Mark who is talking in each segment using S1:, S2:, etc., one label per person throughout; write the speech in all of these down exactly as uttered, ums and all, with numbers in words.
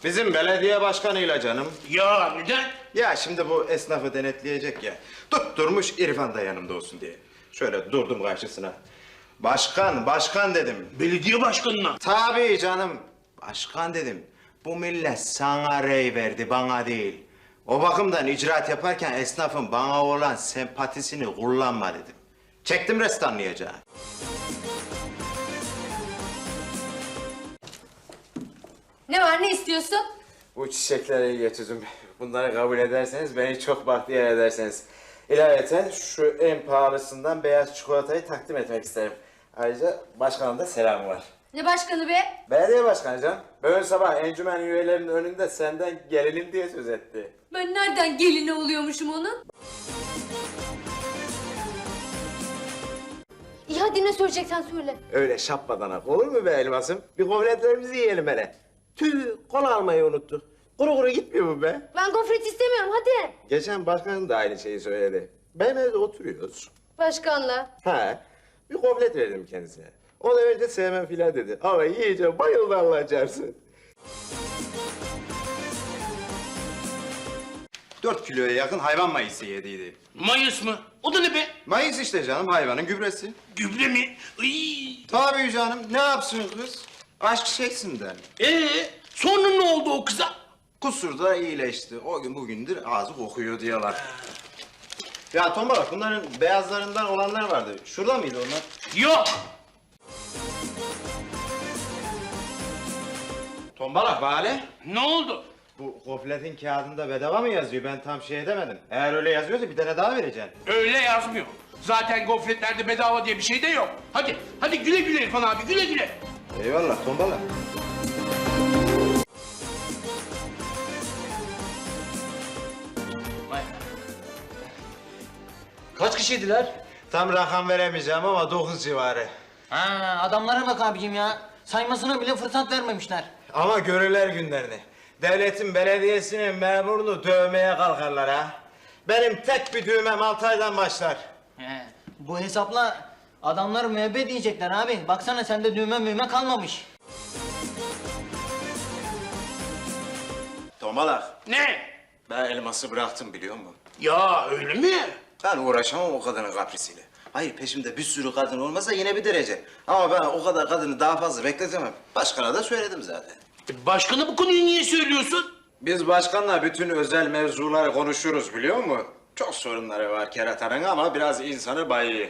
S1: Bizim belediye başkanıyla canım.
S2: Ya neden?
S1: Ya şimdi bu esnafı denetleyecek ya. Tutturmuş İrfan da yanımda olsun diye. Şöyle durdum karşısına. Başkan, başkan dedim.
S2: Belediye başkanına.
S1: Tabii canım. Başkan dedim. Bu millet sana rey verdi, bana değil. O bakımdan icraat yaparken esnafın bana olan sempatisini kullanma dedim. Çektim rest anlayacağı.
S3: Ne var, ne istiyorsun?
S1: Bu çiçekleri getirdim. Bunları kabul ederseniz beni çok bahtiyar ederseniz. İlaveten şu en pahalısından beyaz çikolatayı takdim etmek isterim. Ayrıca başkanım da selamı var.
S3: Ne başkanı be?
S1: Belediye başkanı canım. Bugün sabah encümen üyelerinin önünde senden gelinim diye söz etti.
S3: Ben nereden gelini oluyormuşum onun? İyi hadi ne söyleyeceksen söyle.
S1: Öyle şapmadanak olur mu be elmasım? Bir gofretlerimizi yiyelim hele. Tüh, kola almayı unuttuk. Kuru kuru gitmiyor mu be?
S3: Ben gofret istemiyorum hadi.
S1: Geçen başkanım da aynı şeyi söyledi. Benim evde oturuyoruz.
S3: Başkanla.
S1: Ha, bir gofret verdim kendisine. O da önce sevmem filan dedi. Ama yiyince bayıldı Allah çarpsın. Dört kiloya yakın hayvan mayısı yediydi.
S2: Mayıs mı? O da ne be?
S1: Mayıs işte canım, hayvanın gübresi.
S2: Gübre mi? Iy.
S1: Tabii canım, ne yapsın kız? Aşk çeksinler.
S2: Ee, sonra ne oldu o kıza?
S1: Kusurda iyileşti. O gün bugündür ağzı kokuyor diyorlar. Ya Tombala, bunların beyazlarından olanlar vardı. Şurada mıydı onlar?
S2: Yok.
S1: Tombala, Bale.
S2: Ne oldu?
S1: Bu gofletin kağıdında bedava mı yazıyor? Ben tam şey edemedim. Eğer öyle yazıyorsa bir tane daha vereceksin.
S2: Öyle yazmıyor. Zaten gofretlerde bedava diye bir şey de yok. Hadi, hadi güle güle İrfan abi, güle güle.
S1: Eyvallah Tombala.
S4: Kaç kişiydiler?
S1: Tam rakam veremeyeceğim ama dokuz civarı.
S4: Ha, adamlara bak abicim ya. Saymasına bile fırsat vermemişler.
S1: Ama görürler günlerini. Devletin belediyesinin memurunu dövmeye kalkarlar ha. Benim tek bir düğmem altı aydan başlar.
S4: He, bu hesapla adamlar müebbet diyecekler abi. Baksana sende düğme müğme kalmamış.
S1: Tomalak,
S2: Ne?
S1: ben elması bıraktım biliyor musun?
S2: Ya öyle mi?
S1: Ben uğraşamam o kadının kaprisiyle. Hayır, peşimde bir sürü kadın olmasa yine bir derece. Ama ben o kadar kadını daha fazla bekletemem. Başkana da söyledim zaten.
S2: E, başkana bu konuyu niye söylüyorsun?
S1: Biz başkanla bütün özel mevzuları konuşuruz biliyor musun? Çok sorunları var keratanın ama biraz insanı bayıyor.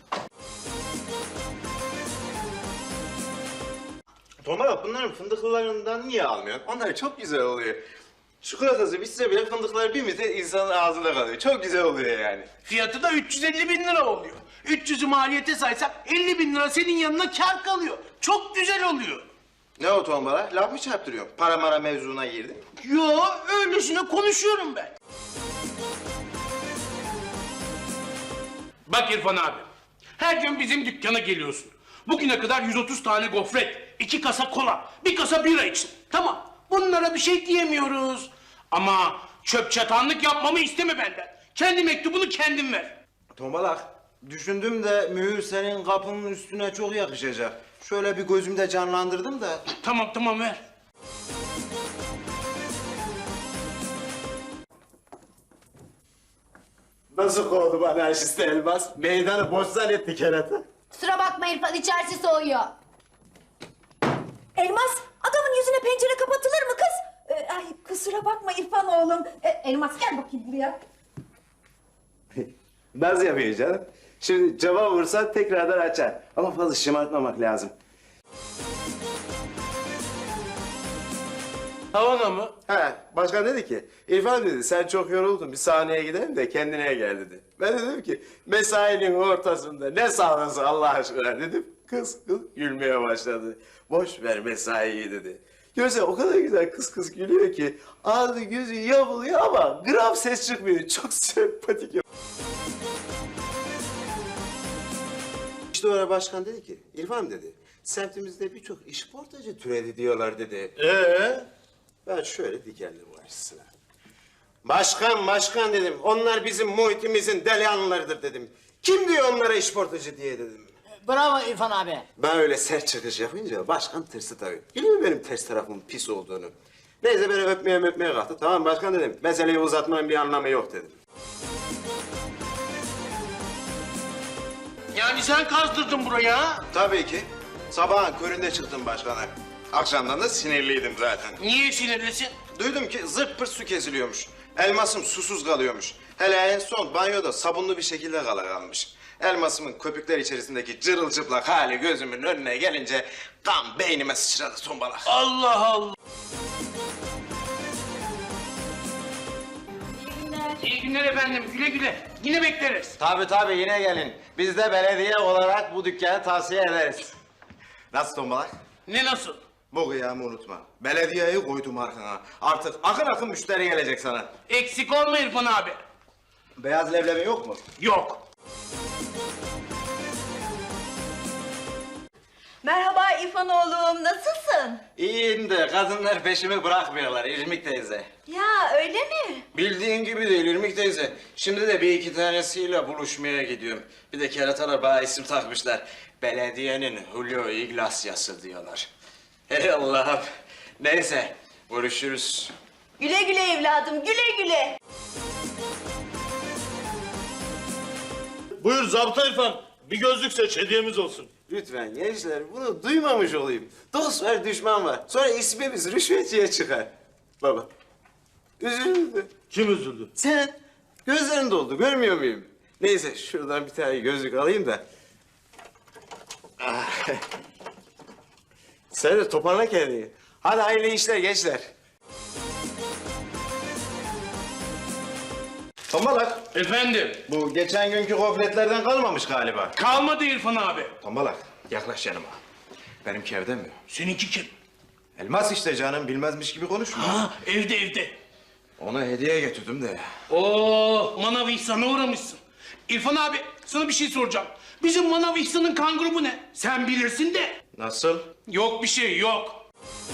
S1: Tomar, bunların fındıklılarından niye almıyorsun? Onlar çok güzel oluyor. Çikolatası bitse bile fındıklar bir müddet insanın ağzında kalıyor. Çok güzel oluyor yani.
S2: Fiyatı da üç yüz elli bin lira oluyor. üç yüzü maliyete saysak elli bin lira senin yanına kar kalıyor. Çok güzel oluyor.
S1: Ne o Tombal'a? Laf mı çarptırıyorsun? Para mara mevzuna girdin.
S2: Yo, öylesine konuşuyorum ben. Bak İrfan abi, her gün bizim dükkana geliyorsun. Bugüne kadar yüz otuz tane gofret, iki kasa kola, bir kasa bira içtin. Tamam, bunlara bir şey diyemiyoruz. Ama çöp çatanlık yapmamı isteme benden. Kendi mektubunu kendin ver.
S1: Tombalak, düşündüm de mühür senin kapının üstüne çok yakışacak. Şöyle bir gözümde canlandırdım da.
S2: Tamam tamam ver.
S1: Nasıl kovdu anarşist Elmas? Meydanı boş zannetti kerata.
S3: Kusura bakma İrfan, içerisi soğuyor.
S5: Elmas, adamın yüzüne pencere kapatılır mı kız? Ee, ay kusura bakma İrfan oğlum. Ee, Elmas gel bakayım buraya.
S1: Nasıl yapıyor canım? Şimdi cama vursan tekrardan açar. Ama fazla şımartmamak lazım.
S2: Havana mı?
S1: He, başkan dedi ki, İrfan dedi sen çok yoruldun bir sahneye gidelim de kendine gel dedi. Ben de dedim ki mesainin ortasında ne sahnesi Allah aşkına dedim. Kız kız gülmeye başladı. Boş ver mesaiyi dedi. Görse o kadar güzel kız kız gülüyor ki ağzı gözü yamuluyor ama gram ses çıkmıyor. Çok sempatik. İşte o ara başkan dedi ki, İrfan dedi, semtimizde birçok işportacı türedi diyorlar dedi. Ee? Ben şöyle dikeldim karşısına. Başkan, başkan dedim, onlar bizim muhitimizin delihanlılarıdır dedim. Kim diyor onlara işportacı diye dedim.
S4: Bravo İrfan abi.
S1: Ben öyle sert çıkış yapınca başkan tırsı tabii. Biliyor musun benim ters tarafımın pis olduğunu? Neyse beni öpmeye öpmeye kalktı. Tamam başkan dedim. Meseleyi uzatmanın bir anlamı yok dedim.
S2: Yani sen kazdırdın buraya ha?
S1: Tabii ki. Sabahın köründe çıktım başkana. Akşamdan da sinirliydim zaten.
S2: Niye sinirlisin?
S1: Duydum ki zırt pırt su kesiliyormuş. Elmasım susuz kalıyormuş. Hele en son banyoda sabunlu bir şekilde kala kalmış. Elmasımın köpükler içerisindeki cırılcıplak hali gözümün önüne gelince kan beynime sıçradı tombalak.
S2: Allah Allah.
S5: İyi günler.
S2: İyi günler efendim. Güle güle. Yine bekleriz.
S1: Tabii tabii yine gelin. Biz de belediye olarak bu dükkanı tavsiye ederiz. Nasıl tombalak?
S2: Ne nasıl?
S1: Bu kıyamı unutma. Belediyeyi koydum arkana. Artık akın akın müşteri gelecek sana.
S2: Eksik olma İrfan abi.
S1: Beyaz leblebi yok mu?
S2: Yok.
S5: Merhaba İrfan oğlum, nasılsın?
S1: İyiyim de kadınlar peşimi bırakmıyorlar İrmik teyze.
S5: Ya öyle mi?
S1: Bildiğin gibi değil İrmik teyze. Şimdi de bir iki tanesiyle buluşmaya gidiyorum. Bir de keratalar bana isim takmışlar. Belediyenin Julio Iglesias'ı diyorlar. Hey Allah'ım. Neyse görüşürüz.
S5: Güle güle evladım, güle güle.
S6: Buyur Zabıta İrfan. Bir gözlük seç, hediyemiz olsun.
S1: Lütfen gençler bunu duymamış olayım. Dost var düşman var. Sonra ismimiz rüşvetçiye çıkar. Baba. Üzüldü.
S6: Kim üzüldü?
S1: Sen gözlerin doldu görmüyor muyum? Neyse şuradan bir tane gözlük alayım da. Ah. Sen de toparla kendini. Hadi hayırlı işler gençler. Tombalak.
S2: Efendim.
S1: Bu geçen günkü gofretlerden kalmamış galiba.
S2: Kalmadı İrfan abi.
S1: Tombalak yaklaş yanıma. Benimki evde mi?
S2: Seninki kim?
S1: Elmas işte canım bilmezmiş gibi konuşma.
S2: Ha, evde evde.
S1: Ona hediye getirdim de.
S2: Oo, Manav İhsan'a uğramışsın. İrfan abi, sana bir şey soracağım. Bizim Manav İhsan'ın kan grubu ne? Sen bilirsin de.
S1: Nasıl?
S2: Yok bir şey, yok.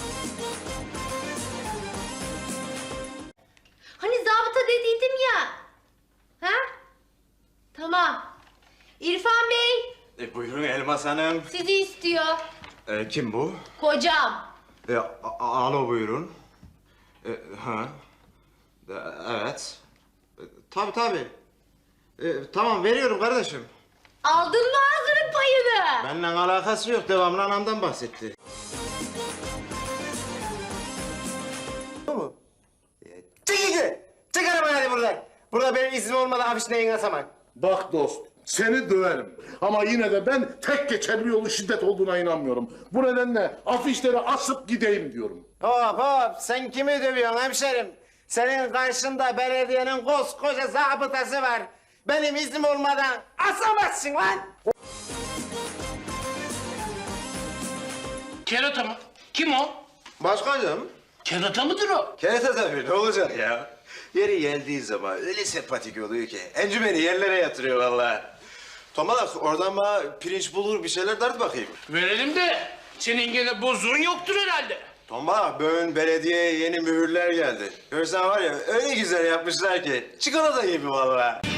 S3: Hani zabıta dediydim ya. Ha? Tamam. İrfan Bey
S1: E, buyurun Elmas Hanım.
S3: sizi istiyor.
S1: E, kim bu?
S3: Kocam.
S1: E, a- a- alo buyurun. E, ha. E, evet. E, tabii tabii. E, tamam veriyorum kardeşim.
S3: Aldın mı ağzının payını?
S1: Benimle alakası yok. Devamlı anamdan bahsetti. Bu mu? E, çık iki. Çık arabayı hadi buradan. Burada benim iznim olmadan afiş neyin asamak.
S7: Bak dost, seni döverim. Ama yine de ben tek geçerli yolu şiddet olduğuna inanmıyorum. Bu nedenle afişleri asıp gideyim diyorum.
S1: Hop hop sen kimi dövüyorsun hemşerim? Senin karşında belediyenin koskoca zabıtası var. Benim iznim olmadan asamazsın lan.
S2: Kerata mı? Kim o?
S1: Başkanım.
S2: Kerata mıdır o?
S1: Kerata tabii ne olacak ya? Yeri geldiği zaman öyle sempatik oluyor ki. Encümeni yerlere yatırıyor vallahi. Tomalak oradan bana pirinç bulur bir şeyler dert bakayım.
S2: Verelim de senin gene bozuğun yoktur herhalde.
S1: Tomalak bugün belediyeye yeni mühürler geldi. Görsen var ya öyle güzel yapmışlar ki. Çikolata gibi vallahi.